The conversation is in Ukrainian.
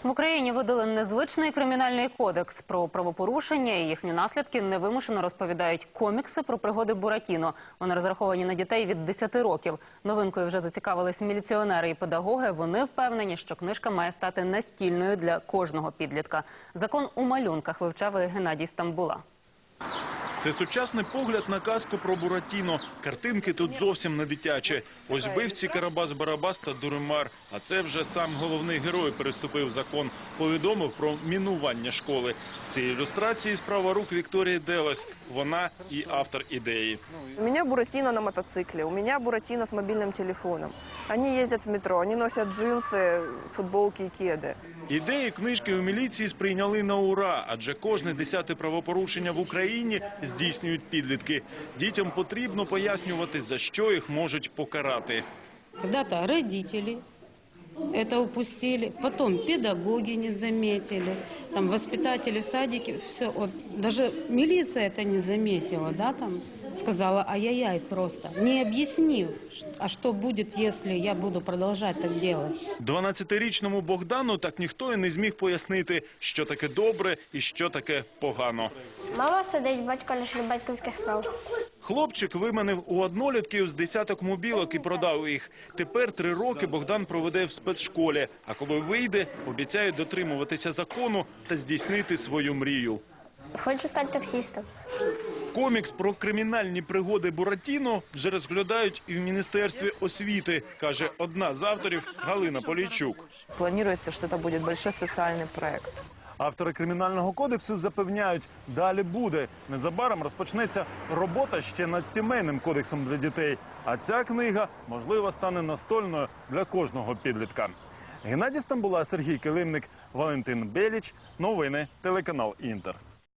В Україні видали незвичний кримінальний кодекс. Про правопорушення і їхні наслідки невимушено розповідають комікси про пригоди Буратіно. Вони розраховані на дітей від 10 років. Новинкою вже зацікавились міліціонери і педагоги. Вони впевнені, що книжка має стати настільною для кожного підлітка. Закон у малюнках вивчав і Геннадій Стамбула. Це сучасний погляд на казку про Буратіно. Картинки тут зовсім не дитячі. Ось бивці Карабас-Барабас та Дуримар. А це вже сам головний герой переступив закон. Повідомив про мінування школи. Ці ілюстрації – справа рук Вікторії Делес. Вона і автор ідеї. У меня Буратино на мотоцикле, у меня Буратино с мобильным телефоном. Они ездят в метро, они носят джинсы, футболки и кеды. Ідеї книжки у міліції сприйняли на ура, адже кожне 10-те правопорушення в Україні здійснюють підлітки. Дітям потрібно пояснювати, за що їх можуть покарати. Когда-то родители это упустили, потом педагоги не заметили, там воспитатели в садике, все, вот, даже милиция это не заметила, да, там сказала ай-яй-яй просто, не объяснив, а что будет, если я буду продолжать так делать. 12-річному Богдану так ніхто і не зміг пояснити, що таке добре і що таке погано. Мама сидить, батько лише батьківських прав. Хлопчик виманив у однолітків з десяток мобілок і продав їх. Тепер 3 роки Богдан проведе в спецшколі, а коли вийде, обіцяє дотримуватися закону та здійснити свою мрію. Хочу стати таксистом. Комікс про кримінальні пригоди Буратіно вже розглядають і в Міністерстві освіти, каже одна з авторів Галина Полійчук. Планируется, что это будет большой социальный проект. Автори кримінального кодексу запевняють, далі буде. Незабаром розпочнеться робота ще над сімейним кодексом для дітей. А ця книга, можливо, стане настольною для кожного підлітка. Геннадій Стамбула, Сергій Килимник, Валентин Беліч. Новини, телеканал «Інтер».